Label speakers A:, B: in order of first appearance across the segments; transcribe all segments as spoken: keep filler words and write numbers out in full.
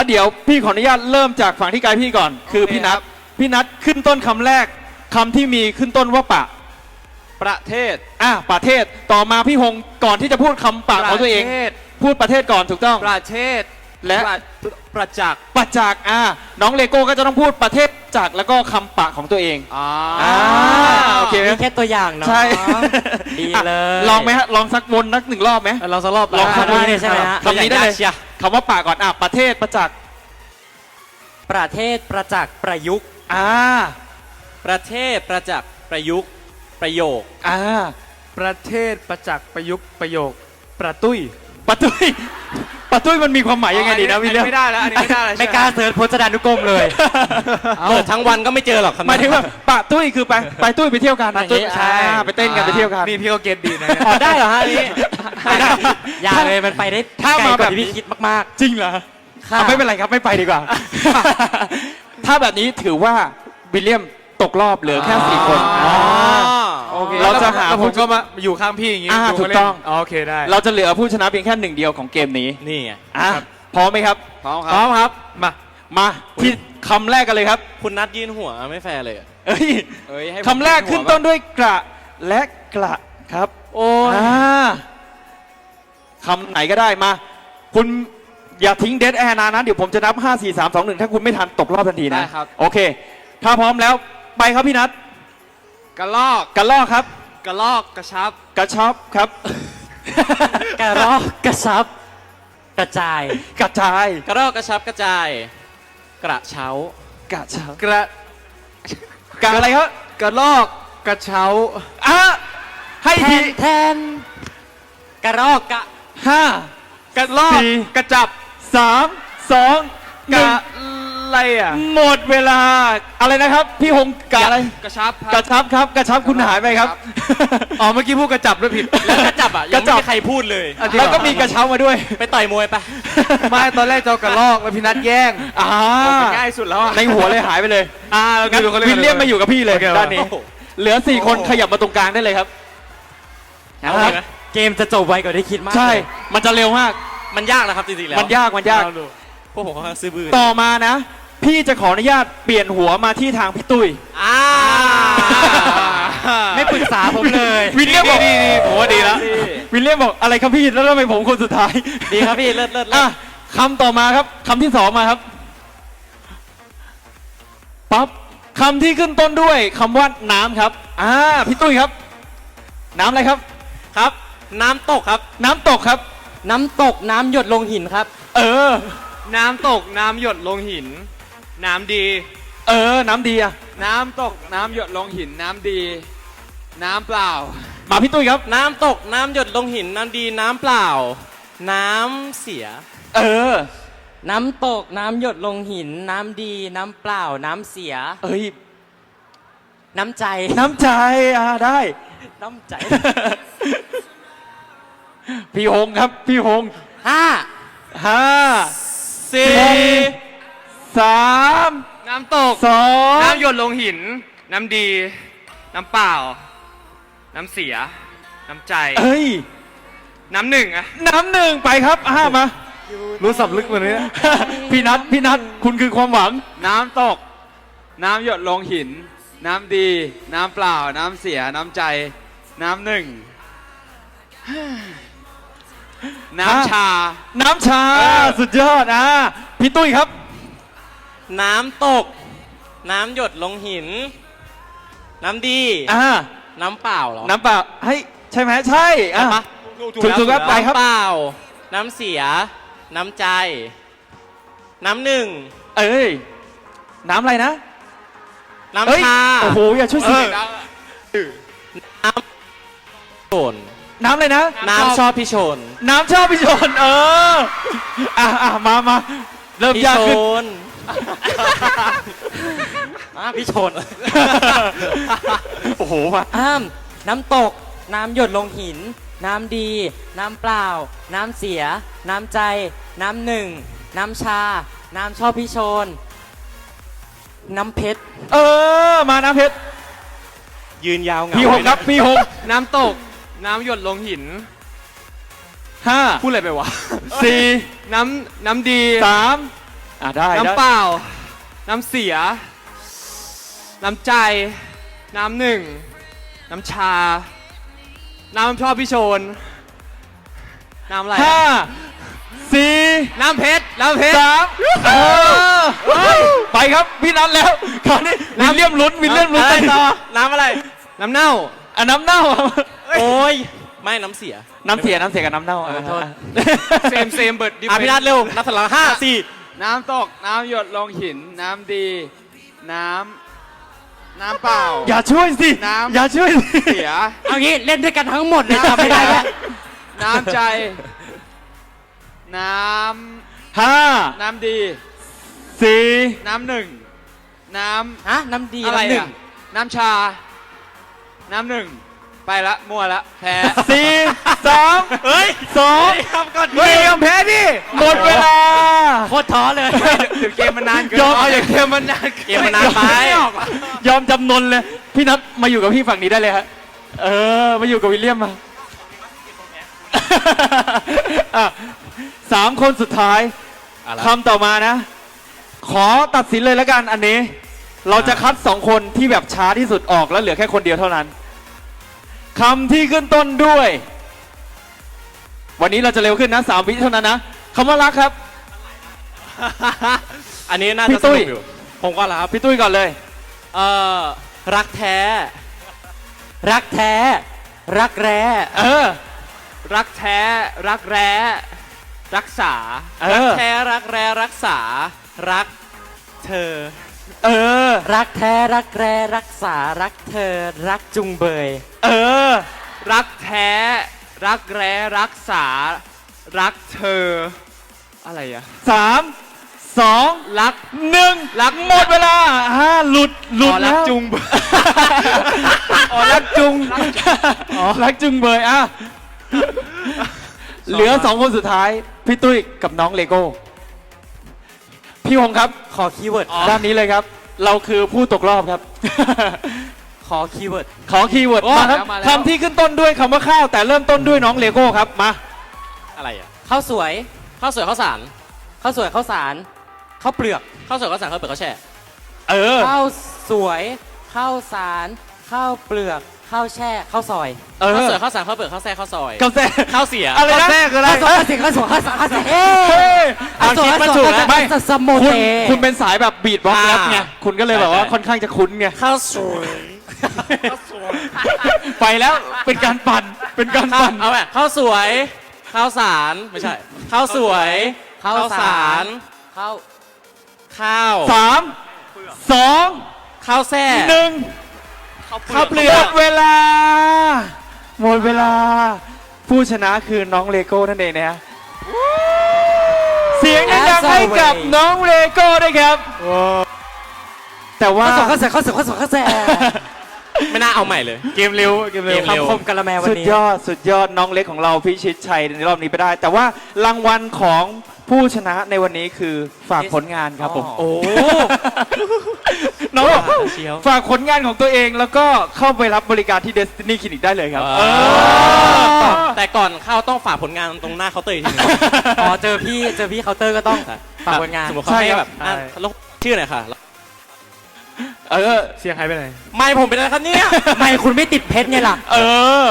A: เดี๋ยวพี่ขออนุญาตเริ่มจากฝั่งที่ไกลพี่ก่อน คือพี่นัทพี่นัทขึ้นต้นคำแรกคำที่มีขึ้นต้นว่าปะ
B: ประเทศ
A: อ่ะประเทศต่อมาพี่ฮงก่อนที่จะพูดคำปะของตัวเองพูดประเทศก่อนถูกต้อง
B: ประเทศ
A: และ
B: ประจักษ์
A: ประจักษ์อ่ะน้องเลโก้ก็จะต้องพูดประเทศจักษ์แล้วก็คำปะของตัวเอง
B: อ่า
A: โอเค
C: มีแค่ตัวอย่างเนาะ
A: ใช่
C: ดีเลย
A: ลองไหมฮะลองสักวนนักหนึ่งรอบไหม
B: ลองสักรอบ
A: ลองคำ
C: นี้ใช่ไหมฮะ
A: คำนี้ได้เลยคำว่าปะก่อนอ่ะประเทศประจักษ์
C: ประเทศประจักษ์ประยุกต์
A: อ่า
B: ประเทศประจักษ์ประยุกต์ประโยค
A: อ่า
D: ประเทศประจักษ์ประยุกต์ประโยคประตุ้ย
A: ประตุ้ยประตุ้ยมันมีความหมายยังไงดีนะพี่เลี้ย
B: ไม่ได้แล้วอันนี้ไม่ได้แล้ว
C: ไม่กล้าเสิร์ชพจนานุกรมเลย
B: เปิดทั้งวันก็ไม่เจอหรอก
A: หมายถึงว่าปะตุ้ยคือไปไปตุ้ยไปเที่ยวกันใช่ไปเต้นกันไปเที่ยวกัน
D: นี่พี่ก็เก็ตดีนะ
C: อ๋อได้เหรอฮะนี่อย่าเลยมันไปได้ถ้ามาแบบพี่คิดมาก
A: ๆจริงเหรอไม่เป็นไรครับไม่ไปดีกว่าถ้าแบบนี้ถือว่าวิลเลียมตกรอบเหลือแค่สี่คน
D: โอเค
A: เราจะหา
D: ผมก็มาอยู่ข้างพี่อย่างงี้
A: ถูกต้อง
D: โอเคได้
A: เราจะเหลือผู้ชนะเพียงแค่หนึ่งเดียวของเกมนี้
B: นี่ไง
A: พร้อมไหมครับ
B: พร้อมครับ
A: พร้อมครับมามาที่คำแรกกันเลยครับ
B: คุณนัดยืนหัวไม่แฟร์เลย
A: เอ้ยคำแรกขึ้นต้นด้วยกระและกระครับ
B: โอ้ย
A: คำไหนก็ได้มาคุณอย่าทิ้งเดดแอร์นานนะเดี๋ยวผมจะนับห้า สี่ สาม สอง หนึ่งถ้าคุณไม่ทันตกรอบทันทีนะโอเคถ้าพร้อมแล้วไปครับพี่นัท
B: กระลอก
A: กระลอกครับ
B: กระลอกกระชับ
A: กระชับครับ
C: กระรอกกระชับกระจาย
A: กระจาย
B: กระรอกกระชับกระจายกระเช้าก
A: ระเช้า
D: กระ
A: กระอะไรครับ
D: กระลอกกระเช้า
A: อ่ะให้ที
C: แทนกระรอกกระ
A: ห้า
D: กระลอกกระจับ
A: สามสอง
D: กระอะไรอ่ะ
A: หมดเวลาอะไรนะครับพี่ฮงกะอะไร
B: กระชับ
A: กระชับครับกระชับคุณหายไปครับ
D: อ๋อเมื่อกี้พูดกระจับด้วยผิด
B: แล้วกระจับอ่ะยังไม่มีใครพูดเลย
A: แล้วก็มีกระเช้ามาด้วย
B: ไปต่อยมวยไป
D: ไม่ตอนแรกเจ้ากระลอกแล้วพี่นัทแย่ง
A: อ่า
D: ง่ายสุดแล้ว
A: ในหัวเลยหายไปเลย
D: อ่า
A: งั้นวิลเลียมมาอยู่กับพี่เลยด้านนี้เหลือสี่คนขยับมาตรงกลางได้เลยครับ
C: เกมจะจบไวกว่าที่คิดมาก
A: ใช่มันจะเร็วมาก
B: มันยากนะครับจริงๆแล้ว
A: มันยากมันยาก
B: พวกผมเขาซื้อบื้อ
A: ต่อมานะพี่จะขออนุญาตเปลี่ยนหัวมาที่ทางพี่ตุ้ย
B: อ่า
C: ไม่ปรึกษาผมเลย
A: วิลเลียมบอก
D: ดีดีผมว่าดีแล้ว
A: วิลเลียมบอกอะไรครับพี่แล้วทำไมผมคนสุดท้าย
C: ดีครับพี่เลิศเลิศ
A: อ่ะคำต่อมาครับคำที่สองมาครับปั๊บคำที่ขึ้นต้นด้วยคำว่าน้ำครับอ่าพี่ตุ้ยครับน้ำอะไรครับ
B: ครับน้ำตกครับ
A: น้ำตกครับ
C: น้ำตกน้ำหยดลงหินครับ
A: เออ
D: น้ำตกน้ำหยดลงหินน้ำดี
A: เออน้ำดีอะ
D: น้ำตกน้ำหยดลงหินน้ำดีน้ำเปล่า
A: มาพี่ตุ้ยครับ
B: น้ำตกน้ำหยดลงหินน้ำดีน้ำเปล่าน้ำเสีย
A: เออ
C: น้ำตกน้ำหยดลงหินน้ำดีน้ำเปล่าน้ำเสีย
A: เอ้ย
C: น้ำใจ
A: น้ำใจอ่ะได้
C: น้ำใจ
A: พี่ฮงครับพี่ฮง
C: ห้า
A: ห้า
D: สี่
A: สาม
D: น้ำตก
A: สอง
D: น้ำหยดลงหินน้ำดีน้ำเปล่าน้ำเสียน้ำใจ
A: เอ้ย
D: น้ำหนึ่งอะ
A: น้ำหนึ่งไปครับห้ามา
D: รู้สับลึกกว่านี้
A: พี่นัทพี่นัทคุณคือความหวัง
D: น้ำตกน้ำหยดลงหินน้ำดีน้ำเปล่าน้ำเสียน้ำใจน้ำหนึ่งน้ำชา
A: น้ำชาสุดยอดอ่ะพี่ตุ้ยครับ
B: น้ำตกน้ำหยดลงหินน้ำดี
A: อ่า
B: น้ำเปล่าเหรอ
A: น้ำเปล่าเฮ้ยใช่ไหมใช่อ่ะถูกถูกครับไปครับ
B: น้ำเปล่าน้ำเสียน้ำใจน้ำหนึ่ง
A: เอ้ยน้ำอะไรนะ
B: น้ำชา
A: โอ้โหอย่าช่วยสิ
B: น้ำโชน
A: น้ำอะไรนะ
B: น้ำชอบพี่โชน
A: น้ำชอบพี่โชนเอออ่ะอ่ะมามาเริ่มยากขึ้น
C: พี่โชน
A: โอ้โหมา
C: อ้ามน้ำตกน้ำหยดลงหินน้ำดีน้ำเปล่าน้ำเสียน้ำใจน้ำหนึ่งน้ำชาน้ำชอบพี่โชนน้ำเพชร
A: เออมาน้ำเพชร
B: ยืนยาว
A: เหงาพี่หงครับพี่หง
D: น้ำตกน้ำหยดลงหิน
A: ห้า
D: พูดอะไรไปวะ
A: สี่
D: น้ำน้ำดี
A: สามอ่ะได้ได้
D: น้ำเปล่า น้ำเสีย น้ำใจ น้ำหนึ่ง น้ำชา น้ำชอบพี่โชน น้ำอะไร
A: ห้า
D: อะ
A: สี่
D: น้ำเพชร น้ำเพชร
A: สามเออไปครับพี่นัทแล้วคราวนี้วิลเลียมลุ้นวิลเลียมลุ้น
B: อะไร
A: ไป
B: ต่
A: ต่
B: อ
A: อ
B: น้ำอะไร
D: น้ำเน่า
A: อ่ะน้ำเน่า
B: โอ้ย ไม่น้ำเสีย
A: น้ำเสียน้ำเสียกับน้ำเน่า
B: เออโทษ
D: เซมเซมเบิร์ดดิ
B: อ่ะพี่นัทเร็ว นับถอยหลังห้าสี่
D: น้ำตก น้ำหยดลงหิน น้ำดี น้ำ น้ำเปล่า
A: อย่าช่วยสิ
D: น้ำ
A: อย่าช่วยสิ
D: เสีย
C: เอางี้เล่นด้วยกันทั้งหมดเลยจำไม่ได้แล้ว
D: น้ำใจ น้
A: ห้า
D: ำ น้ำดี
A: สี่
D: น้ำหนึ่ง น้
C: ฮะ น้ำดี
D: ำ อะไร
C: น้ำหนึ่ง
D: อ่ะ น้ำชา น้ำหนึ่ง ไปละ มั่วละ แพ้
A: สี่สามเฮ้ยสอง
B: ครับก่อน
A: เฮ้ยยอมแพ้ดิหมดเวลา
C: โคตรท้อเลย
D: เดี๋ยวเกมมันนานเกิน
A: ยอม
D: เอาอย่างเกมมันนาน
B: เกมมันนานไป
A: ยอมจำนนเลย พี่นัทมาอยู่กับพี่ฝั่งนี้ได้เลยฮะเออ มาอยู่กับวิลเลียมมา อ่ะสามคนสุดท้ายคำต่อมานะ ขอตัดสินเลยแล้วกันอันนี้ เราจะคัดสองคนที่แบบช้าที่สุดออกแล้วเหลือแค่คนเดียวเท่านั้นคำที่ขึ้นต้นด้วย วันนี้เราจะเร็วขึ้นนะสามวิเท่านั้นนะคำว่ารักครับ
B: อันนี้น่า
A: พี่
B: จะส
A: ตุ้
B: นุ
A: ย
B: กอยู่ ผมก็แล้วครับ
A: พี่ตุ้ยก่อนเลย
B: เอ่อ รักแท้
C: รักแท้ รักแร้
A: เออ
D: รักแท้ รักแร้ รักษา
A: เอ
B: รัก
A: อ
B: แท้ รักแร้ รักษา รักเธอ
A: เออ
C: รักแท้ รักแร้ รักษา รักเธอ รักจุงเบย
A: เออ
D: รักแท้ รักแร้ รักษา รักเธอ อะไรอ่ะ
A: สามสอง
D: รัก
A: หนึ่งหลักหมดเวลาห้าหลุดหลุด
D: อ๋อรั
A: แล้
D: ก
A: ว
D: จุง
A: อ๋อรักจุงอ๋อรักจุงเบยอ่ะเหลือสองคนสุดท้าย พี่ตุ้ยกับน้องเลโก้ พี่หงครับ
C: ขอคีย์เวิร์ด
A: ด้านนี้เลยครับ เราคือผู้ตกรอบครับ
C: ขอคีย์เวิร์ด
A: ขอคีย์เวิร์ด
D: โอ้
A: มาครับ
D: มาแล้ว
A: คำที่ขึ้นต้นด้วยคำว่าข้าวแต่เริ่มต้นด้วยน้องเลโก้ครับมา
B: อะไรอ่ะ
C: ข้าวสวย
B: ข้าวสวยข้าวสาร
C: ข้าวสวยข้าวสารข้าวเปลือก
B: ข้าวสวยข้าวสารข้าวเปลือกข้าวแช่
A: เออ
C: ข้าวสวยข้าวสารข้าวเปลือกข้าวแช่ข้าวซอย
A: เออ
B: ข้าวสวยข้าวสารข้าวเปลือกข้าวแช่ข้าวซอย
A: กาแฟ
B: ข้าวเสีย
A: อะไรนะ
D: ข้าวแทรกคืออะไร
C: ข้าวสวยข้าวเสียข้าวสวยข้าวสารข้าวเสียเอ้
A: เฮ้ย
C: ข้าวสวย
A: อ่ะคิด
C: ข้าว
A: มา
C: ส
A: ถู
C: ว
A: ก
C: ย
A: แล้ว
C: ไม่
A: ไม่
C: สมโม
A: คุณ
C: เต
A: คุณเป็นสายแบบบีทบ็อกซ์
B: อ่า
A: แรปไงคุณก็เลยแบบว่า
B: ใช่
A: ค่อนข้างจะคุ้นไง
B: ข้าวสวย
A: ไปแล้วเป็นการปั่นเป็นการ
B: ข้าว
A: ปั่น
B: เอาแบบข้าวสวย ข้าวสารไม่ใช่ ข้าวสวย
C: ข้าวสาร ข้าว
B: ข้าว
A: สามสอง
B: ข้าวแช่
A: หนึ่ง
B: ข้าวเปลื
A: ห
B: อ
A: ม
B: ก
A: ดเวลา หมดเวลา ผู้ชนะคือน้องเลโก้นั่นเองนะฮะเสียงดังๆให้กับน้องเลโก้ด้วยครับ แต่ว่า
C: ข้าวสวยข้าวสวยข้าวสวยข้าวสวยข้าวแช่
B: ไม่น่าเอาใหม่เลย
A: เกมเร็วเกมเร็ว
B: เกมเร็ว
C: คำคมกะละแมวัน
A: สุด
C: นี้
A: ยอดสุดยอดน้องเล็กของเราพิชิตชัยในรอบนี้ไปได้ แต่ว่ารางวัลของผู้ชนะในวันนี้คือฝากผลงานครับผม
C: อ๋อ
A: โอ้น้องบอก
B: เชียว
A: ฝากผลงานของตัวเองแล้วก็เข้าไปรับบริการที่ Destiny Clinic ได้เลยครับ
B: เออ
A: เออ
B: แต่ก่อนเข้าต้องฝากผลงานตรงหน้าเคาน์เตอร์อีกทีหนึง
C: อ๋อเจอพี่เจอพี่เคาน์เตอร์ก็ต้องฝากผลงาน
B: สมมติเขาให้แบบอ่ะลงชื่อหน่อยค่ะ
A: เออ
D: เสียงใครไปไหน
B: ไม่ผมเป็นอะไรครับเนี่ย
C: ไม่คุณไม่ติดเพชรไงล่ะ
A: เออ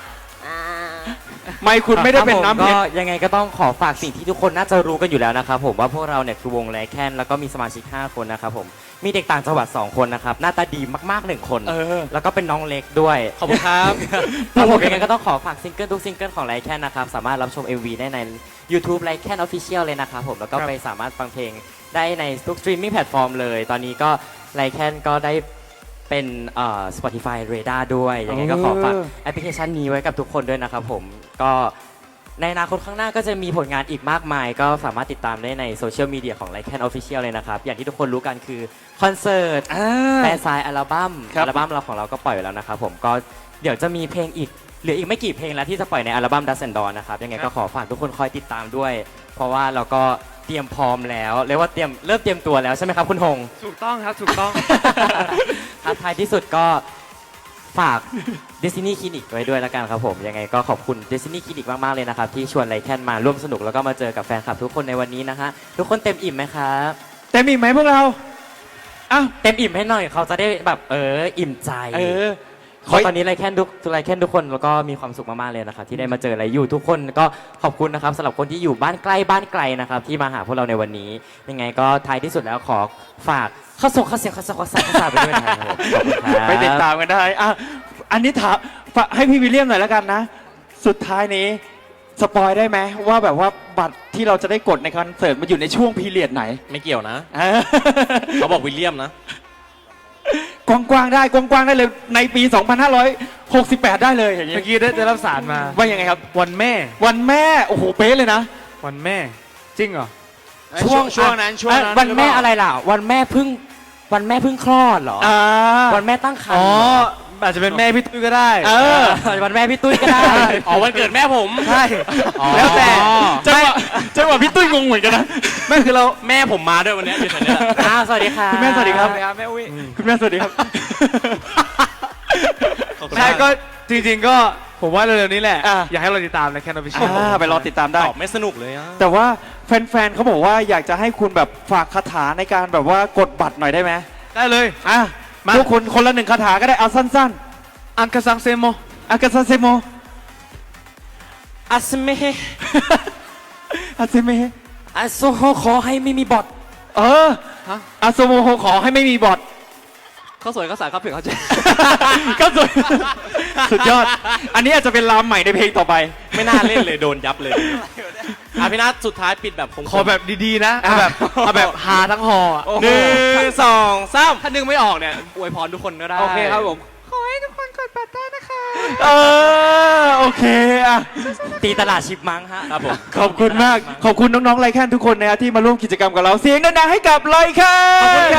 A: ไม่คุณไม่ได้เป็น
C: ครับ
A: น้ำ
C: ผม
A: เพช
C: ก็
A: ร
C: ยังไงก็ต้องขอฝากสิ่งที่ทุกคนน่าจะรู้กันอยู่แล้วนะครับผมว่าพวกเราเนี่ยคือวงไลแคนแล้วก็มีสมาชิกห้าคนนะครับผมมีเด็กต่างจังหวัดสองคนนะครับหน้าตาดีมากๆหนึ่งคน
A: เออ
C: แล้วก็เป็นน้องเล็กด้วย
B: ขอบคุณครับ
C: ครับผมยังไงก็ต้องขอฝากซิงเกิลทุกซิงเกิลของไลแคนนะครับสามารถรับชม เอ็ม วี ได้ใน YouTube ไลแคน Official เลยนะครับผมแล้วก็ไปสามารถฟังเพลงได้ในทุกสตรีมมิ่งแพลตฟอร์มเลย ตอนนี้ก็ไลแคนก็ได้เป็นเอ่อ Spotify Radar ด้วยยังไงก็ขอฝากแอปพลิเคชันนี้ไว้กับทุกคนด้วยนะครับผมก็ในอนาคตข้างหน้าก็จะมีผลงานอีกมากมาย ก็สามารถติดตามได้ในโซเชียลมีเดียของ ไลแคน Official เลยนะครับ อย่างที่ทุกคนรู้กันคือคอนเสิร์ต
A: อ่า
C: แฟนไซน์อัลบั้ม
A: ครับ
C: อัลบั้มเราของเราก็ปล่อยไปแล้วนะครับผมก็เดี๋ยวจะมีเพลงอีกเหลืออีกไม่กี่เพลงแล้วที่จะปล่อยในอัลบั้ม Dust and Dawn นะครับยังไงก็ขอฝากทุกคนคอยติดตามด้วย เพราะว่าเราก็เตรียมพร้อมแล้วเรียกว่าเตรียมเริ่มเตรียมตัวแล้วใช่ไหมครับคุณหง
D: ถูกต้องครับ ถูกต้อง
C: ท้าทายที่สุดก็ฝาก Destiny Clinic ไว้ด้วยแล้วกันครับผมยังไงก็ขอบคุณ Destiny Clinic มากๆเลยนะครับที่ชวนไลแคนมาร่วมสนุกแล้วก็มาเจอกับแฟนคลับทุกคนในวันนี้นะฮะทุกคนเต็มอิ่มไหมครับ
A: เต็มอิ่มไหมพวกเราอ้าว
C: เต็มอิ่มให้หน่อยเขาจะได้แบบเอออิ่มใจ
A: เออ
C: เพราะตอนนี้ไลแคนทุกไลแคนทุกคนแล้วก็มีความสุขมากๆเลยนะครับที่ได้มาเจอไลอยู่ทุกคนก็ขอบคุณนะครับสำหรับคนที่อยู่บ้านใกล้บ้านไกลนะครับที่มาหาพวกเราในวันนี้ ยังไงก็ท้ายที่สุดแล้วขอฝากข้าส่งข้าเสียงข้าส่งข้าสายข้าสายไปด้วยนะครับผมขอบคุณครับ
A: ไปติดตามกันได้อ่ะอันนี้ถามฝากให้พี่วิลเลียมหน่อยแล้วกันนะ สุดท้ายนี้สปอยได้ไหมว่าแบบว่าบัตรที่เราจะได้กดในคอนเสิร์ตมันอยู่ในช่วงพีเรียดไหน
B: ไม่เกี่ยวนะ
A: เออ
B: เขาบอกวิลเลียมนะ
A: กว้างๆได้กว้างๆได้เลยในปี สองพันห้าร้อยหกสิบแปด ได้เลยอย่างเงี้
D: เมื่
A: ย
D: อกี้ได้ได้รับสารมา
A: ว่ายังไงครับ
D: วันแม่
A: วันแม่โอ้โหเป๊ะเลยนะ
D: วันแม่ จริงเหรอ
B: ช่วงช่วงนั้นช่วงนั้น
C: วันแม่อะไรล่ะ วันแม่เพึ่งวันแม่เพึ่งคลอดเหรอ
A: อ่า
C: วันแม่ตั้งครร
D: อ๋
C: ภ์
D: อ
C: เหรอ
D: อาจจะเป็นแม่พี่ตุ้ยก็ได้
A: เออ
C: วันแม่พี่ตุ้ยก็ได้
B: อ๋อวันเกิดแม่ผม
D: ใช่
B: อ๋อ
D: แล้วแต่
A: จังหวะจังหวะพี่ตุ้ยงงเหมือนกันนะ
D: ไม่คือเรา
B: แม่ผมมาด้วยวันเนี้ยอยู่แถวเนี้ย
C: อ่าสวัสดีค่ะ
A: คุณแม่สวัสดีครับ
D: แม่อุ้ย
A: คุณแม่สวัสดีครับ
B: ขอบคุณ
D: ใช่
B: มาก
D: ก็จริงๆก็ผมว่าเร็วๆนี้แหละ
A: อ่ะ
D: อยากให้เราติดตามนะแคนอฟิช
A: อ่าไปรอติดตามได้
B: ตอบไม่สนุกเลยอะ
A: แต่ว่าแฟนๆเขาบอกว่าอยากจะให้คุณแบบฝากคาถาในการแบบว่ากดบัตรหน่อยได้ไหม
D: ได้เลย
A: อ่ะ
D: มา
A: ทุกคนคนละหนึ่งคาถาก็ได้เอาสั้น
D: อังกะซังเซโม
A: ๆอากาซาเซโม
C: อัสเม
A: อาเซเม
C: อัสโซโฮขอให้ไม่มีบอท
A: เอออาโซโมโฮขอให้ไม่มีบอท
D: เขาสวยเขาสายเขาเปลี่ยนเขาใจ
A: ก็สุด สุดยอด อันนี้อาจจะเป็นรามใหม่ในเพลงต่อไป
B: ไม่น่าเล่นเลยโดนยับเลยอ่ะพี่นัทสุดท้ายปิดแบบคง
D: ขอแบบดีๆนะเอาแบบเอาแบบฮาทั้งฮออะ
B: หนึ่งสองสาม
D: ถ้านึงไม่ออกเนี่ยอวยพรทุกคนก็ได้
A: โอเคครับผม
D: ขอให้ทุกคนกดบัตรได้นะคะ
A: เออโอเคอ่ะ
C: ตีตลาดชิปมังฮะ
B: ครับผม
A: ขอบคุณมาก ขอบคุณน้องๆไลแคนทุกคนนะครับที่มาร่วมกิจกรรมกับเรา เสียงดังๆให้กับไลแคน